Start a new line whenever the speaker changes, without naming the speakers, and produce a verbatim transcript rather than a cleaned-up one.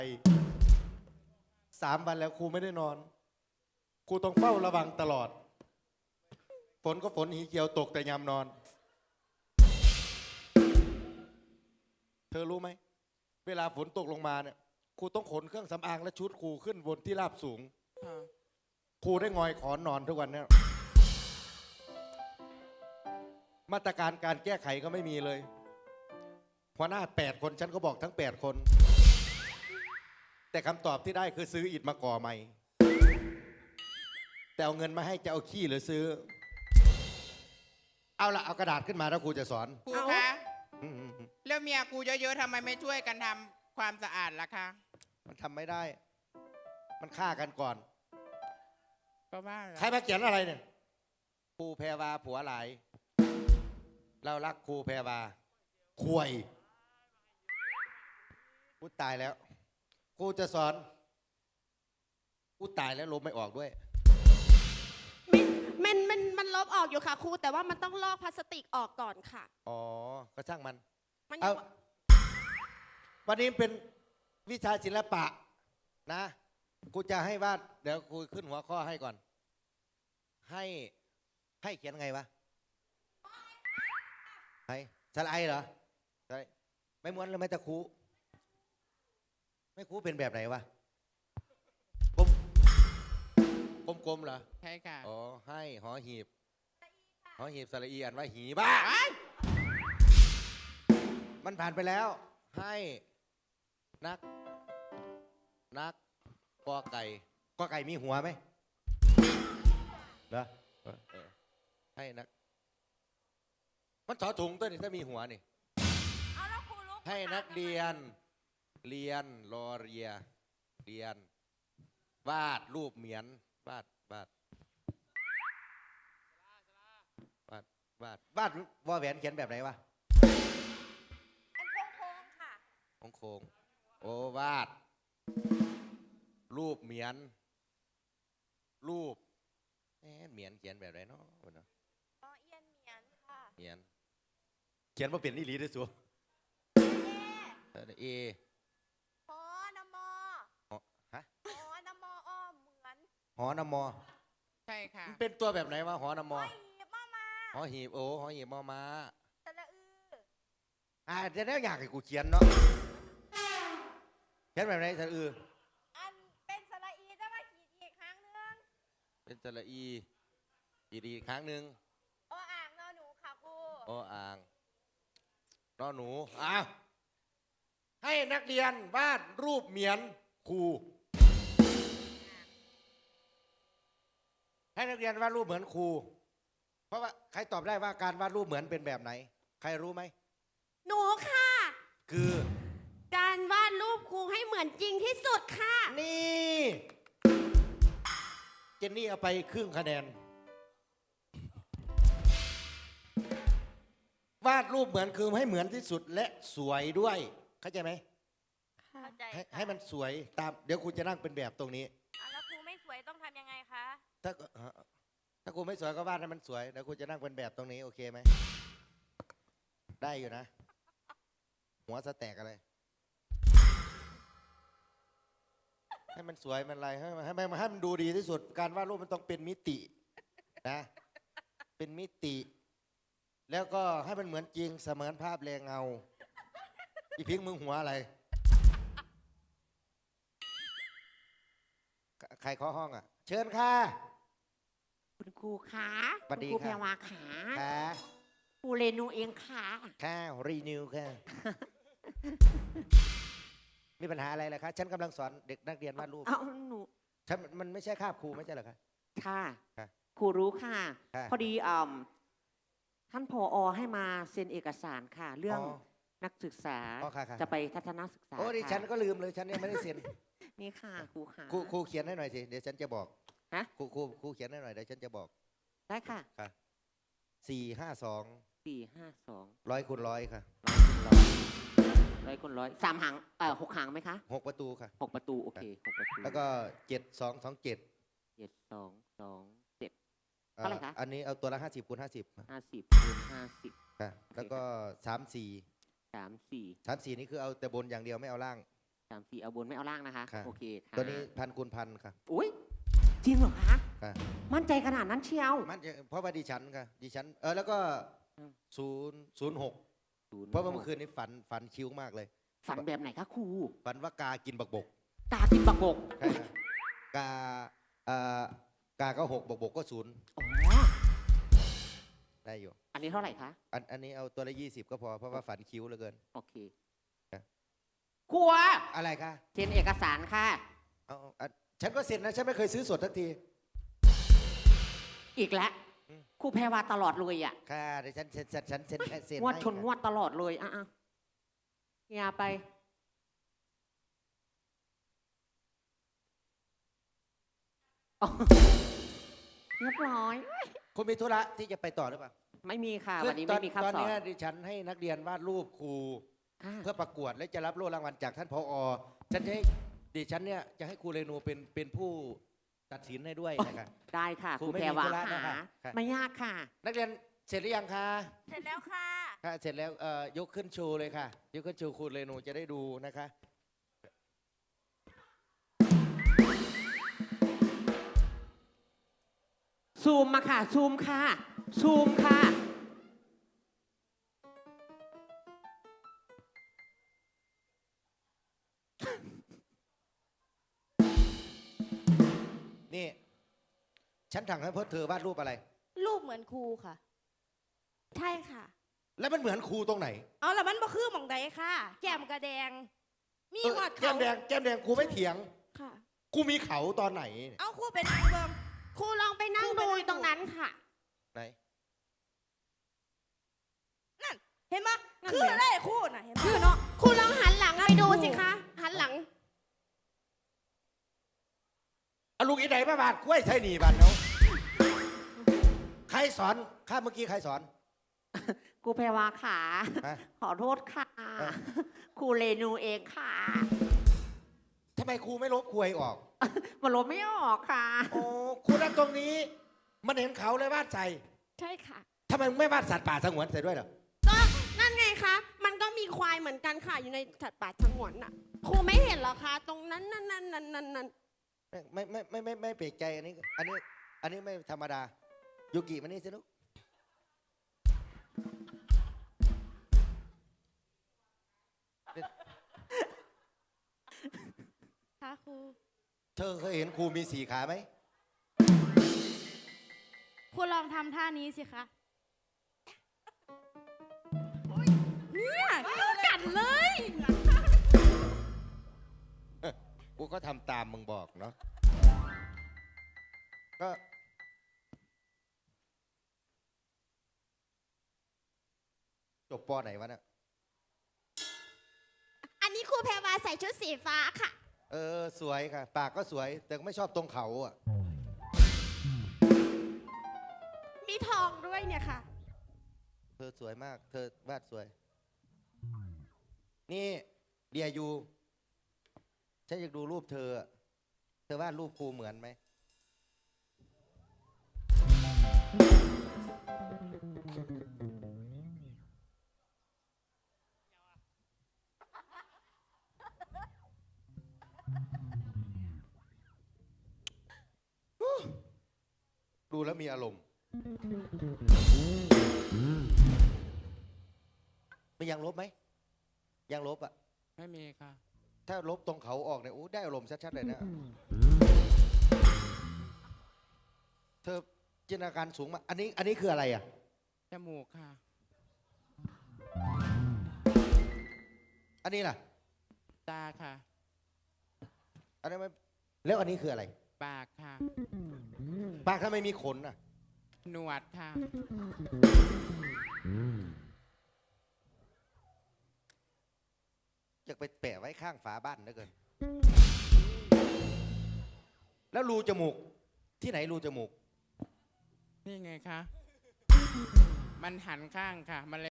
สามวันแล้วครูไม่ได้นอนครูต้องเฝ้าระวังตลอดฝนก็ฝนหีเขียวตกแต่ยามนอนเธอรู้ไหมเวลาฝนตกลงมาเนี่ยครูต้องขนเครื่องสำอางและชุดครูขึ้นบนที่ราบสูงครูได้งอยขอนอนทุกวันเนี่ยมาตรการการแก้ไขก็ไม่มีเลยหัวหน้าแปดคนฉันก็บอกทั้งแปดคนแต่คำตอบที่ได้คือซื้ออิฐมาก่อใหม่แต่เอาเงินมาให้จะเอาขี้หรือซื้อเอาละเอากระดาษขึ้นมาแล้วครูจะสอน
ครูคะแล้วเมียครูเยอะๆทำไมไม่ช่วยกันทำความสะอาดล่ะคะ
มันทำไม่ได้มันฆ่ากันก่อน
ก็ว่า
ใครมาเขียนอะไรเนี่ยครูแพรวาผัวหลายเรารักครูแพรวาควยกูตายแล้วกูจะสอนกูตายแล้วลบไม่ออกด้วย
มันมันมันลบออกอยู่ค่ะครูแต่ว่ามันต้องลอกพลาสติกออกก่อนค่ะ
อ๋อก็ช่างมัน
มัน
เอาวันนี้เป็นวิชาศิลปะนะกูจะให้วาดเดี๋ยวกูขึ้นหัวข้อให้ก่อนให้ให้เขียนไงวะให้สไลด์เหรอใช่ไม่ม้วนแล้วไม่ตะคูไม่คูเป็นแบบไหนวะกลมกลมกลมเหรอ
ใช่ค่ะ
อ๋อให้หอหีบหอหีบสระอีอ่านว่าหีบ้ามันผ่านไปแล้วให้นักนักกอไก่กอไก่มีหัวไหมเหรอให้นักมันถอถุงตัวนี้ถ้ามีหัวนี่ให้นักเรียนเรียนรอเรียเรียนวาดรูปเหมือนวาดวาดวาดวาดวาดวอแหวนเขียนแบบไหนวะ
อันโค้งโค้งค่ะ
โค้งโค้งโอ้วาดรูปเหมือนรูปเหมือนเขียนแบบไหนเนาะเนาะ
อ๋อเอียนเหมียนค่ะ
เหมียนเขียนว่าเปลี่ยนอีหลีได้สัวเอเอ
หอนมอ
ฮะ
หอนมออ้อเหมือน
หอนมอ
ใช่ค่ะ
มันเป็นตัวแบบไหนวะหอนมอ
หอหีบมามา
หอหีบโอ้หอหีบมอมา
สระอือ
อ่าจะได้อยากให้กูเขียนเนาะเขียนแบบไหนสระอือ
อันเป็นสระอีจะมาขีดอีกครั้งนึง
เป็นสระอีอีกอีกครั้งหนึ่ง
โออ่างนอหนูค่ะครู
โออ่างนอหนูอ้าวให้นักเรียนวาดรูปเหมือนครูให้นักเรียนวาดรูปเหมือนครูเพราะว่าใครตอบได้ว่าการวาดรูปเหมือนเป็นแบบไหนใครรู้ไหม
หนูค่ะ
คือ
การวาดรูปครูให้เหมือนจริงที่สุดค่ะ
นี่เจนนี่เอาไปครึ่งคะแนนวาดรูปเหมือนคือให้เหมือนที่สุดและสวยด้วยเข้าใจไหม
เข้าใจ
ให้ให้มันสวยตามเดี๋ยวครูจะนั่งเป็นแบบตรงนี้
แล้วครูไม่สวยต้องทำยังไงคะ
ถ้าถ้าครูไม่สวยก็วาดให้มันสวยเดี๋ยวครูจะนั่งเป็นแบบตรงนี้โอเคไหมได้อยู่นะหัวสแต็กอะไรให้มันสวยมันอะไรให้มันให้มันให้มันดูดีที่สุดการวาดรูปมันต้องเป็นมิตินะเป็นมิติแล้วก็ให้มันเหมือนจริงเสมือนภาพแรงเงาอีพิงมึงหัวอะไรใครเคาะห้องอ่ะเชิญค่ะ
คุณครูขา
คุณ
ครูแพรวาขา
ค่ะ
ครูเรนูเองค่ะ
ค่ะรีนิวค่ะมีปัญหาอะไรล่ะคะฉันกำลังสอนเด็กนักเรียนวาดรูป
เอาหนู
ฉันมันไม่ใช่คาบครูไม่ใช่เหรอคะ
ค่ะครูรู้ค่ะพอดีอ่าท่านผอ.ให้มาเซ็นเอกสารค่ะเรื่องนักศึกษาจะไปทัศนศึกษา
โอ้ดิฉันก็ลืมเลยฉันยังไม่ได้เซ็น
นี่ค่ะครูค่ะ
ครูครูเขียนให้หน่อยสิเดี๋ยวฉันจะบอก
ฮะ
ครูครูครูเขียนให้หน่อยเดี๋ยวฉันจะบอก
ได้ค่ะ
ค่ะสี่ห้าสอง
สี่ห้าสอง
ร้อยคูณร้อยค่ะ
ร้อยคูณร้อยสามหางเอ่อหกหางไหมคะ
หกประตูค่ะ
หกประตูโอเคหกประตู
แล้วก็เจ็ดสองสองเจ็ด
เจ็ดสองสองเจ็ดเท่าไหร่คะ
อันนี้เอาตัวละห้าสิบคูณห้าสิบ
ห้าสิบคูณห้าสิบ
ค่ะแล้วก็สามสี่
สามสี่
สามสี่นี่คือเอาแต่บนอย่างเดียวไม่เอาล่าง
สามสี่เอาบนไม่เอาล่างนะคะ
ค่ะ
โอเคค่ะ
ตัวนี้พันคูณพันค่ะ
อุ้ยจริงเหรอคะ
ค่ะ
มั่นใจขนาดนั้นเชียว
มันจะเพราะว่าดิฉันค่ะดิฉันเออแล้วก็
อืม
ศูนย์ศูนย์หก
ศูนย์
เพราะว่าเมื่อคืนนี้ฝันฝันคิ้วมากเลย
ฝันแบบไหนคะครู
ฝันว่ากากินบักบก
กากินบักบก
ใช่ค่ะกาเอ่อกาก็หกบักบกก็ศูนย์
อ๋อ
ได้อยู่
อันนี้เท่าไหร่คะ
อันอันนี้เอาตัวละยี่สิบก็พอเพราะว่าฝันคิ้วเหลือเกิน
โอเค
ครับ
ครัว
อะไรคะ
เซ็นเอกสารค่ะ
เอาเอาอันฉันก็เซ็นนะฉันไม่เคยซื้อสดทักที
อีกแล้ว
อืม
ครูแพรวาตลอดเลยอ่ะ
ค่ะเดี๋ยวฉันเซ็นฉันฉันเซ็นเซ็น
งวด
ให้
ชน
ค่ะ
งวดตลอดเลยอ่ะอ่ะเฮียไปอ๋อเรียบร้อย
คุณมีธุระที่จะไปต่อหรือเปล่า
ไม่มีค่ะ
คือ
วันนี้
ตอ
ไม่มีคำ
ตอน
สอน
นี้ดิฉันให้นักเรียนวาดรูปครู
ค่ะ
เพื่อประกวดและจะรับโล่รางวัลจากท่านผอ ฉันจะให้ดิฉันเนี่ยจะให้ครูเรนูเป็นเป็นผู้ตัดสินให้ด้วยนะครับ
ได้ค่ะ
ครู
ครู
ไม่
แพร
มี
วา
ธุระ
ค่ะ
นะคะค่ะ
ไม่ยากค่ะ
นักเรียนเสร็จหรือยังคะ
เสร็จแล้วค่ะ
ค่ะเสร็จแล้วเอ่อยกขึ้นชูเลยค่ะ ยกขึ้นชูครูเรนูจะได้ดูนะคะ
ซูมมาค่ะ ซูมค่ะ ซูมค่ะ
นี่ ฉันถังให้พวกเธอวาดรูปอะไร
รูปเหมือนครูค่ะ ใช่ค่ะ
แล้วมันเหมือนครูตรงไหน
เอาละมันบ่คือหม่องใดค่ะ แก้มกระแดง มี
เออ
หอด
แก้
เขา
มแดงแก้มแดงครูไม่เถียง
ค่ะ
ครูมีเขาตอนไหน
เอาครูไปนั่งเบิ่งครูลองไปนั่งดูตรงนั้นค่ะ
ไหน
นั่น เห็นปะ
นั่น
คือ
ไง
เลยครูน่ะเห็นปะ
คือเนาะครูลองหันหลังไปดูสิคะ หันหลัง
เอาลูกอีไหนมาบาดกล้วยใช่หนีบาดเนาะใครสอนข้าเมื่อกี้ใครสอน
ครูแพรวาค่ะ
ฮะ
ขอโทษค่ะ
เออ
ครูเรนูเองค่ะ
ทำไมครูไม่ลบควยออก
มันลบไม่ออกค่ะ
โอ้ครูนั่นตรงนี้ มันเห็นเขาเลยวาดใส่
ใช่ค่ะ
ทำไมมึงไม่วาดสัตว์ป่าสงวนใส่ด้วยเหรอ
ก็นั่นไงคะ มันก็มีควายเหมือนกันค่ะ อยู่ในสัตว์ป่าสงวนน่ะ ครูไม่เห็นเหรอคะ ตรงนั้นนั่นนั่นนั่นนั่นนั่น
ไม่ไม่ไม่ไม่ไม่ไม่เปลกใจอันนี้ อันนี้ อันนี้ไม่ธรรมดายูกิมานี่สิลูก
ค่ะครู
เธอเคยเห็นครูมีสี่ขาไหม
ครูลองทำท่านี้สิคะ
เนี่ย
กัดเลย
กูก็ทำตามมึงบอกเนาะ ก็ จบปอไหนวะเนี่ย
อันนี้ครูแพรวาใส่ชุดสีฟ้าค่ะ
เออ สวยค่ะ ปากก็สวย แต่ไม่ชอบตรงเขาอ่ะ
มีทองด้วยเนี่ยค่ะ
เธอสวยมาก เธอวาดสวย นี่เดียยูฉันอยากดูรูปเธออะเธอวาดรูปครูเหมือนไหม ดูแล้วมีอารมณ์ ไม่ยังลบไหม ยังลบอ่ะ
ไม่มีค่ะ
ถ้าลบตรงเขาออกเนี่ยโอ้ได้อารมณ์ชัดๆเลยนะ เธอจินตนาการสูงมากอันนี้ อันนี้คืออะไรอ่ะ
จมูกค่ะ
อันนี้ล่ะ
ตาค่ะ
อันนี้นไม่แล้วอันนี้คืออะไร
ปากค่ะ
ปากทำไมมีขนอ่ะ
หนวดค่ะ
อยากไปแปะไว้ข้างฝาบ้านเหลือเกิน แล้วรูจมูก ที่ไหนรูจมูก
นี่ไงคะ มันหันข้างค่ะ มันเลย